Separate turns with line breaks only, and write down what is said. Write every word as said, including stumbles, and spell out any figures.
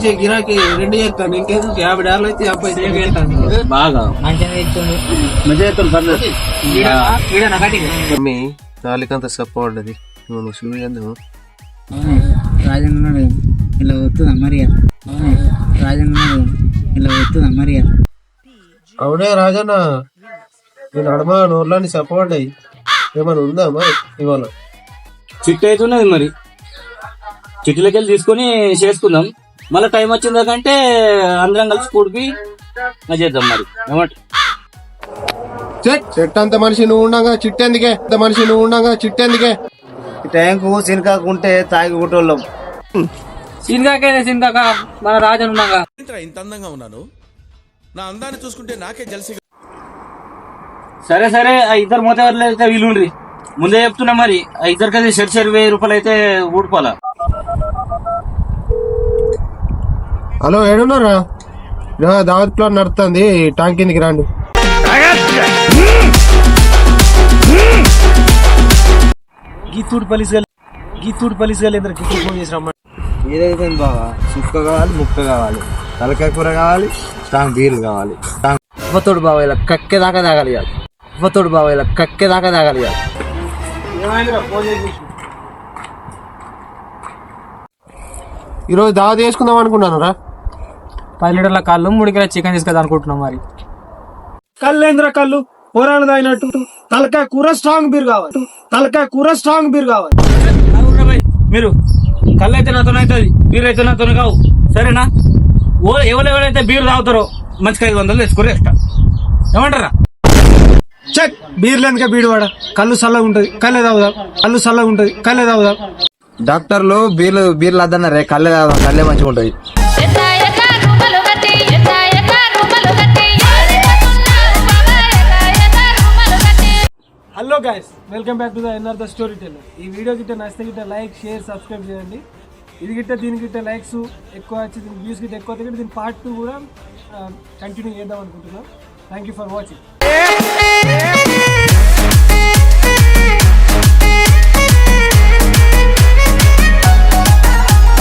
మంచిగా గిరాకీ రెండు చేస్తాను. ఇంకేందుకు యాభై డాలర్లు అయితే యాభై
బాగా
మీ నాలుగంత సపోర్ట్ అది నువ్వు చూడదు.
రాజన్న ఇలా వస్తుందా మరి రాజన్న ఇలా వస్తుందా మరి
అవునే రాజన్న నేను అడమా నోర్లాని సపోర్ట్ అయ్యి ఏమైనా ఉందా మరి ఇవాళ
చిట్టు అవుతున్నది మరి చిట్టులకి వెళ్ళి తీసుకొని చేసుకుందాం. మళ్ళీ టైం వచ్చిందాకంటే అందరం కలిసి కూడికి చేద్దాం మరి ఏమంట.
చెట్టు అంత మనిషి నువ్వు ఉండగా చిట్టెందుకే అంత మనిషి నువ్వు ఉండగా చిట్టెందుకే
ట్యాంకు సినకాకుంటే తాగి కుట్టోళ్ళం.
సినికాకైతే సినికాక మన రాజన్ ఉన్నాగా
ఇంత అందంగా ఉన్నాను, నా అందాన్ని చూసుకుంటే నాకే జలసి.
సరే సరే ఆ ఇద్దరు మోతవర్లు అయితే వీలుండ్రి ముందే చెప్తున్నా మరి. ఆ ఇద్దరికైతే షెర్ షెర్ వెయ్యి రూపాయలు అయితే ఊడిపోవాలా.
హలో ఏడున్నారా? దావత్ ప్లాన్ నడుస్తుంది, ట్యాంక్ కిందికి రాండి.
గీతూడు పలిసి గీతూడు పలిసి ఇద్దరు గిఫ్ట్ ఫోన్ చేసి రమ్మని. ఏదైతే బాగా సుక్క కావాలి, ముక్క కావాలి, తలకాయ కూర కావాలి, స్ట్రాంగ్ బీర్లు కావాలి. ఉవ్వతోడు బావ ఇలా కక్కే దాకా తాగాలి కాదు. ఉవ్వతోడు బావ ఇలా కక్కే దాకా తాగాలి కాదు.
ఈరోజు దావత్ చేసుకుందాం అనుకున్నాను రా.
పది లీటర్ల కళ్ళు మూడు కిలో చికెన్ తీసుకెళ్దాం అనుకుంటున్నాం. మరి
కళ్ళేంద్ర కళ్ళు పోరాడు తాగినట్టు తలకాయ కూర స్ట్రాంగ్ బీర్ కావాలి. తలకాయ కూర స్ట్రాంగ్ బీర్ కావాలి.
మీరు కళ్ళు అయితే నాతో అవుతుంది, బీర్ అయితే నాతో కావు. సరేనా? ఓ ఎవరెవరైతే బీర్ తాగుతారో మంచిగా ఐదు వందలు తెచ్చుకోరు ఎక్స్ట్రా. ఏమంటారా?
చెక్ బీర్లు ఎందుక బీడువాడ. కళ్ళు చల్లగా ఉంటది, కళ్ళే తాగుదాం. కళ్ళు చల్లగా ఉంటది, కళ్ళే తాగుదాం. డాక్టర్లు బీర్లు బీర్లు వద్దన్నారే, కళ్ళే తాగుదాం, కళ్ళే మంచిగా ఉంటది. Hello guys, welcome back to the N R the storyteller. ఈ వీడియో గిట్ట నచ్చితే గిట్ట లైక్ షేర్ సబ్స్క్రైబ్ చేయండి. ఇది గిట్ట దీని గిట్ట లైక్స్ ఎక్కువ వచ్చి దీని వ్యూస్ గిట్ట ఎక్కువ గిట్ట దీని పార్ట్ టూ కూడా కంటిన్యూ చేద్దాం అనుకుంటున్నాం. Thank you for watching.